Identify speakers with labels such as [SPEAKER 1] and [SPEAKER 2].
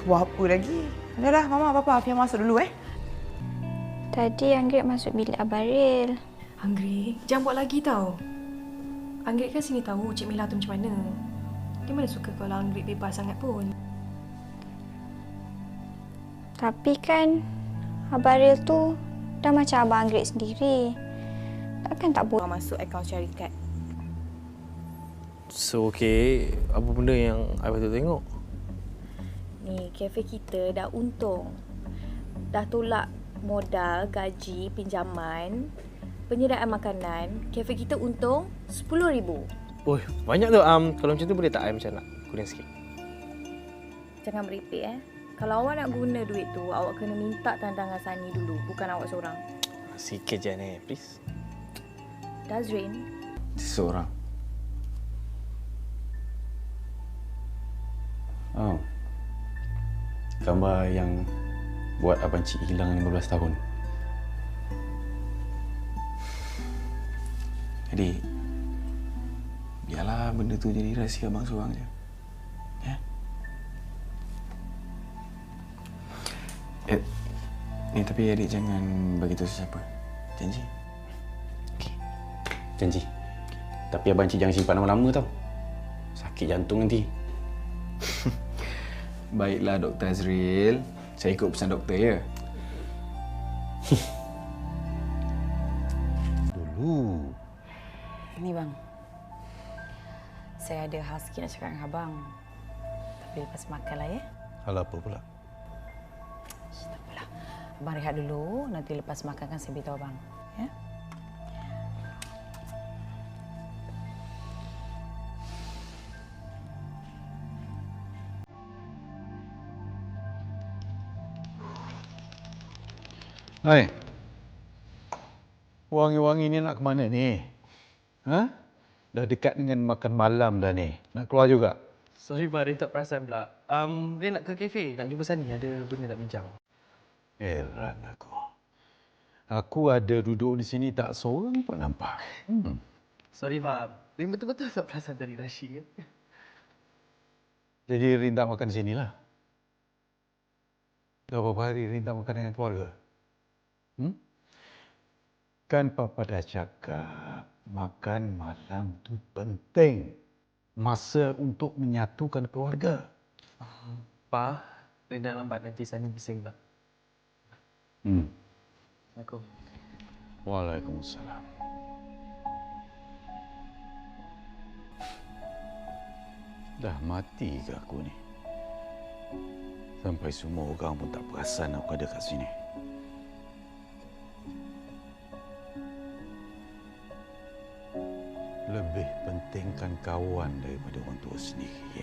[SPEAKER 1] Tu apa lagi? Dah, Mama, Papa, Afia masuk dulu
[SPEAKER 2] Tadi Anggrek masuk bilik Abaril.
[SPEAKER 3] Anggrek, jangan buat lagi tau. Anggrek kan sini tahu Cik Mila tu macam mana. Dia mana suka kalau Anggrek bebas sangat pun.
[SPEAKER 2] Tapi kan Abaril tu dah macam abang Anggrek sendiri. Takkan tak boleh
[SPEAKER 1] masuk akaun syarikat.
[SPEAKER 4] So, okay. Apa benda yang I patut tengok?
[SPEAKER 5] Ni, kafe kita dah untung. Dah tolak modal, gaji, pinjaman, penyediaan makanan. Kafe kita untung RM10,000.
[SPEAKER 4] Oh, banyak tu. Kalau macam tu boleh tak I macam nak kurang sikit?
[SPEAKER 5] Jangan meripik Kalau awak nak guna duit tu, awak kena minta tandangan Sani dulu, bukan awak seorang.
[SPEAKER 4] Sikit je ni, please.
[SPEAKER 5] Dazrin,
[SPEAKER 6] Seseorang. Oh. Gambar yang buat abang cik hilang 15 tahun. Jadi, biarlah benda tu jadi rahsia abang seorang je. Ya? Ni tapi adik jangan beritahu sesiapa. Janji? Okey. Janji. Tapi abang cik jangan simpan lama-lama tau. Sakit jantung nanti. Baiklah Dr. Azril. Saya ikut pesan doktor ya.
[SPEAKER 7] Dulu.
[SPEAKER 8] Ni bang. Saya ada hal sikit nak cakap dengan abang. Tapi lepas makan lah ya.
[SPEAKER 7] Hal apa pula?
[SPEAKER 8] Tak apalah. Abang rehat dulu. Nanti lepas makan kan saya beritahu abang. Ya?
[SPEAKER 7] Hai. Wangi-wangi ni nak ke mana ni? Ha? Dah dekat dengan makan malam dah ni. Nak keluar juga?
[SPEAKER 4] Sorry, Pak. Dia tak perasan pula. Dia nak ke kafe. Nak jumpa Sani. Ada benda nak bincang.
[SPEAKER 7] Heran aku. Aku ada duduk di sini tak seorang pun nampak.
[SPEAKER 4] Sorry, Pak. Dia betul-betul tak perasan dari Rashid.
[SPEAKER 7] Jadi Rin tak makan di sinilah. Dah berapa hari Rin tak makan dengan keluarga? Kan Papa dah cakap makan malam tu penting. Masa untuk menyatukan keluarga.
[SPEAKER 4] Pa, dia dah lambat nanti Sani bising tak? Assalamualaikum.
[SPEAKER 7] Waalaikumsalam. Dah mati ke aku ni? Sampai semua orang pun tak perasan aku ada kat sini. Lebih pentingkan kawan daripada orang tua sendiri,